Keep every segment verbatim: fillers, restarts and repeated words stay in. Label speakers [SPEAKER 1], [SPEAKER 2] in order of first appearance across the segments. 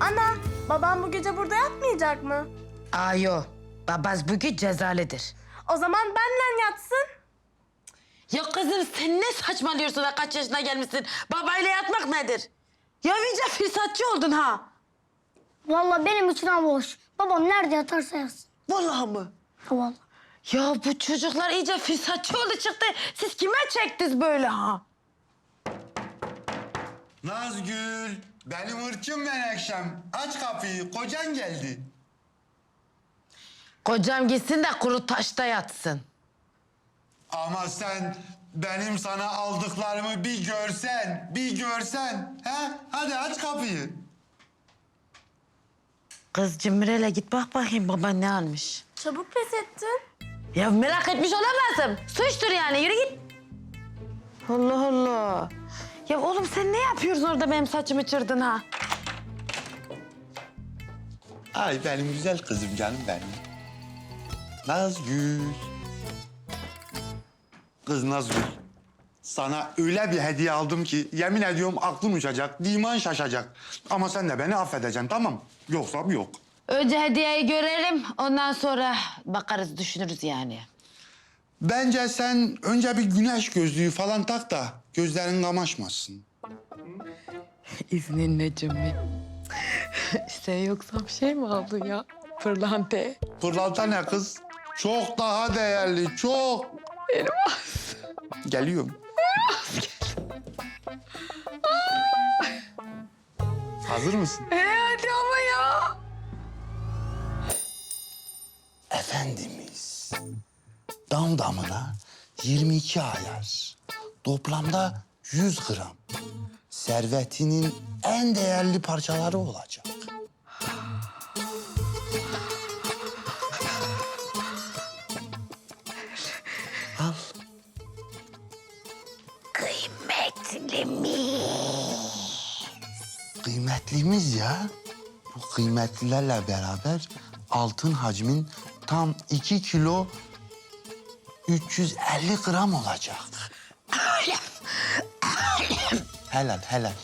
[SPEAKER 1] Ana, babam bu gece burada yatmayacak mı?
[SPEAKER 2] Ayo, babaz bugün cezalıdır.
[SPEAKER 1] O zaman benle yatsın.
[SPEAKER 2] Ya kızım sen ne saçmalıyorsun da kaç yaşına gelmişsin? Babayla yatmak nedir? Ya iyice fırsatçı oldun ha.
[SPEAKER 3] Vallahi benim için ha boş. Babam nerede yatarsa yatsın.
[SPEAKER 2] Vallahi mı?
[SPEAKER 3] Ha vallahi.
[SPEAKER 2] Ya bu çocuklar iyice fırsatçı oldu çıktı. Siz kime çektiniz böyle ha?
[SPEAKER 4] Nazgül, benim ırkım Menekşem. Aç kapıyı, kocan geldi.
[SPEAKER 2] Kocam gitsin de kuru taşta yatsın.
[SPEAKER 4] Ama sen benim sana aldıklarımı bir görsen, bir görsen. He? Hadi aç kapıyı.
[SPEAKER 2] Kız Cimri'yle git bak bakayım baban ne almış.
[SPEAKER 1] Çabuk pes ettin.
[SPEAKER 2] Ya merak etmiş olamazsın. Suçtur yani yürü git. Allah Allah. Ya oğlum sen ne yapıyorsun orada benim saçımı çırdın ha?
[SPEAKER 4] Ay benim güzel kızım canım benim. Nazgül. Kız Nazgül. Sana öyle bir hediye aldım ki yemin ediyorum aklım uçacak, diman şaşacak. Ama sen de beni affedeceksin tamam? Yoksa yok.
[SPEAKER 2] Önce hediyeyi görelim ondan sonra bakarız düşünürüz yani.
[SPEAKER 4] Bence sen önce bir güneş gözlüğü falan tak da gözlerin kamaşmasın.
[SPEAKER 2] İzninle Cimri. Sen yoksa bir şey mi aldın ya? Pırlanta.
[SPEAKER 4] Pırlanta ne kız? Çok daha değerli, çok.
[SPEAKER 2] Elmas.
[SPEAKER 4] Geliyorum. Hazır mısın?
[SPEAKER 2] E hadi ama ya.
[SPEAKER 4] Efendimiz, dam damına yirmi iki ayar, toplamda yüz gram. Servetinin en değerli parçaları olacak. Al.
[SPEAKER 2] Kıymetli mi?
[SPEAKER 4] Kıymetlimiz ya. Bu kıymetlilerle beraber altın hacmin tam iki kilo üç yüz elli gram olacak. Helal, helal.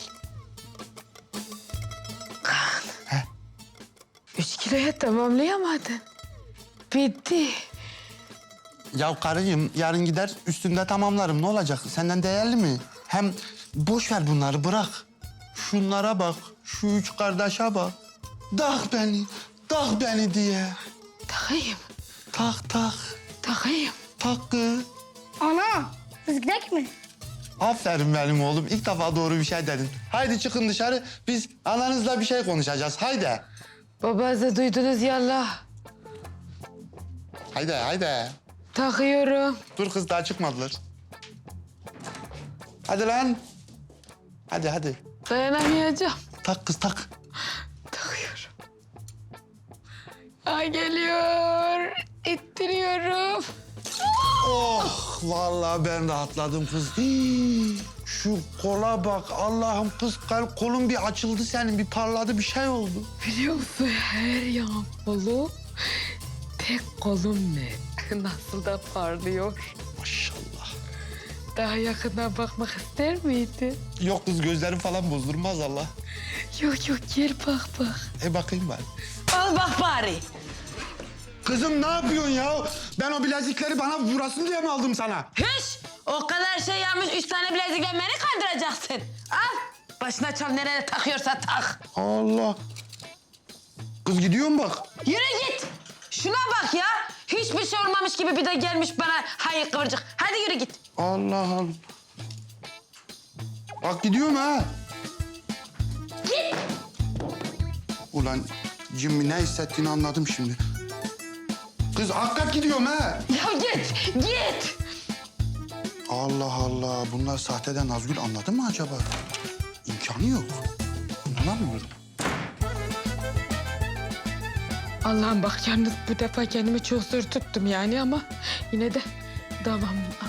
[SPEAKER 2] Üç kiloya tamamlayamadın. Bitti.
[SPEAKER 4] Ya karıcığım yarın gider üstünde tamamlarım. Ne olacak? Senden değerli mi? Hem boş ver bunları bırak. Şunlara bak. Şu üç kardeşe bak. Tak beni, tak beni diye.
[SPEAKER 2] Takayım,
[SPEAKER 4] Tak tak,
[SPEAKER 2] takayım.
[SPEAKER 4] tak kız.
[SPEAKER 3] Ana, biz gidelim mi?
[SPEAKER 4] Aferin benim oğlum. İlk defa doğru bir şey dedin. Haydi çıkın dışarı. Biz ananızla bir şey konuşacağız. Haydi.
[SPEAKER 2] Babanızı duydunuz yallah.
[SPEAKER 4] Haydi, haydi.
[SPEAKER 2] Takıyorum.
[SPEAKER 4] Dur kız daha çıkmadılar. Hadi lan. Hadi hadi.
[SPEAKER 2] Dayanamayacağım.
[SPEAKER 4] Tak kız tak.
[SPEAKER 2] Takıyorum. Ay geliyor. İttiriyorum.
[SPEAKER 4] Oh vallahi ben rahatladım kız. Hii, şu kola bak Allah'ım kız kal- kolun bir açıldı senin bir parladı bir şey oldu.
[SPEAKER 2] Biliyor musun her yan kolu tek kolum ne? Nasıl da parlıyor.
[SPEAKER 4] Maşallah.
[SPEAKER 2] Daha yakından bakmak ister miydin?
[SPEAKER 4] Yok kız gözlerim falan bozdurmaz Allah.
[SPEAKER 2] Yok yok gel bak bak.
[SPEAKER 4] E bakayım ben.
[SPEAKER 2] Al bak bari.
[SPEAKER 4] Kızım ne yapıyorsun ya? Ben o bilezikleri bana vurasın diye mi aldım sana?
[SPEAKER 2] Hış! O kadar şey yapmış üç tane bilezikle beni kandıracaksın. Al. Başına çal nereye takıyorsa tak.
[SPEAKER 4] Allah. Kız gidiyorum bak.
[SPEAKER 2] Yürü git. Şuna bak ya. Hiçbir şey olmamış gibi bir de gelmiş bana hayır kıvırcık. Hadi yürü git.
[SPEAKER 4] Allah Allah. Bak gidiyorum ha.
[SPEAKER 2] Git.
[SPEAKER 4] Ulan Jimmy ne hissettiğini anladım şimdi. Kız hakikat gidiyorum ha.
[SPEAKER 2] Ya git. Git.
[SPEAKER 4] Allah Allah. Bunlar sahteden Nazgül anladı mı acaba? İmkanı yok. İnanamıyorum.
[SPEAKER 2] Allah'ım bak yalnız bu defa kendimi çok zor tuttum yani ama yine de davamın